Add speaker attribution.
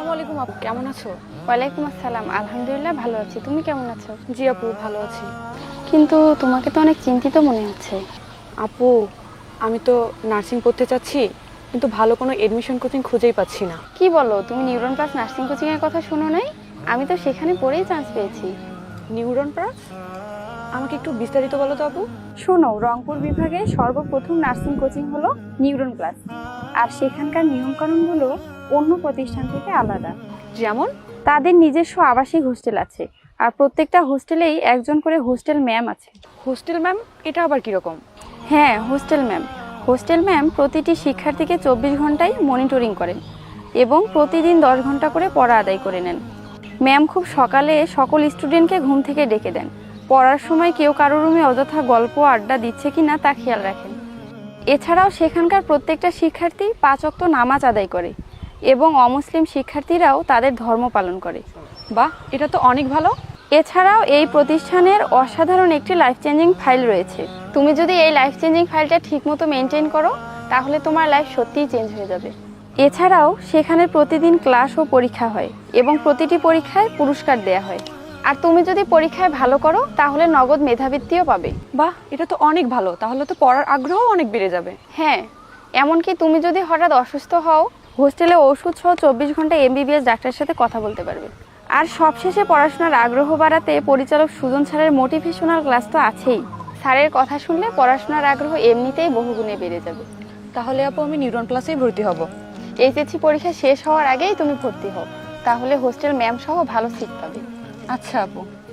Speaker 1: আসসালামু আলাইকুম আপু, কেমন আছো?
Speaker 2: ওয়ালাইকুম আসসালাম, আলহামদুলিল্লাহ ভালো আছি। তুমি কেমন আছো?
Speaker 1: জি আপু, ভালো আছি।
Speaker 2: কিন্তু তোমাকে তো অনেক চিন্তিত মনে হচ্ছে।
Speaker 1: আপু, আমি তো নার্সিং পড়তে চাচ্ছি, কিন্তু ভালো কোনো এডমিশন কোচিং খুঁজেই পাচ্ছি না।
Speaker 2: কি বলো, তুমি নিউরন প্লাস নার্সিং কোচিং এর কথা শোনো নাই? আমি তো সেখানে পড়েই চান্স পেয়েছি।
Speaker 1: Neuron plus? আমাকে একটু বিস্তারিত বলো তো আপু।
Speaker 2: শোনো, রংপুর বিভাগে সর্বপ্রথম নার্সিং কোচিং হলো নিউরন প্লাস। আর সেখানকার নিয়মকানুনগুলো অন্য প্রতিষ্ঠান থেকে আলাদা।
Speaker 1: যেমন?
Speaker 2: তাদের নিজস্ব আবাসিক হোস্টেল আছে, আর প্রত্যেকটা হোস্টেলেই একজন করে হোস্টেল ম্যাম আছে।
Speaker 1: Hostel ma'am? এটা আবার কিরকম?
Speaker 2: হ্যাঁ, হোস্টেল ম্যাম প্রতিটি শিক্ষার্থীকে 24 ঘন্টায় মনিটরিং করেন এবং প্রতিদিন 10 ঘন্টা করে পড়া আদায় করে নেন। ম্যাম খুব সকালে সকল স্টুডেন্টকে ঘুম থেকে ডেকে দেন। পড়ার সময় কেউ কারো রুমে অযথা গল্প আড্ডা দিচ্ছে কিনা তা খেয়াল রাখেন। এছাড়াও সেখানকার প্রত্যেকটা শিক্ষার্থী 5 ওয়াক্ত নামাজ আদায় করে এবং অমুসলিম শিক্ষার্থীরাও তাদের ধর্ম পালন করে।
Speaker 1: বাহ, এটা তো অনেক ভালো।
Speaker 2: এছাড়াও এই প্রতিষ্ঠানের অসাধারণ একটি লাইফ চেঞ্জিং ফাইল রয়েছে। তুমি যদি এই লাইফ চেঞ্জিং ফাইলটা ঠিকমতো মেনটেন করো, তাহলে তোমার লাইফ সত্যিই চেঞ্জ হয়ে যাবে। এছাড়াও সেখানে প্রতিদিন ক্লাস ও পরীক্ষা হয় এবং প্রতিটি পরীক্ষায় পুরস্কার দেয়া হয়। আর তুমি যদি পরীক্ষায় ভালো করো, তাহলে নগদ মেধাবৃত্তিও পাবে।
Speaker 1: বাহ, এটা তো অনেক ভালো। তাহলে তো পড়ার আগ্রহ অনেক বেড়ে যাবে।
Speaker 2: হ্যাঁ, এমনকি তুমি যদি হঠাৎ অসুস্থ হও, হোস্টেলে ওষুধ সহ 24 ঘন্টা এমবিবিএস ডাক্তারের সাথে কথা বলতে পারবে। আর সবশেষে পড়াশোনার আগ্রহ বাড়াতে পরিচালক সুজন স্যারের মোটিভেশনাল ক্লাস তো আছেই। স্যারের কথা শুনলে পড়াশোনার আগ্রহ এমনিতেই বহুগুণে বেড়ে যাবে।
Speaker 1: তাহলে আপু, আমি নিউরন প্লাসেই ভর্তি হব।
Speaker 2: এইচএসসি পরীক্ষা শেষ হওয়ার আগেই তুমি ভর্তি হও, তাহলে হোস্টেল ম্যাম সহ ভালো সিট পাবে।
Speaker 1: আচ্ছা আপু।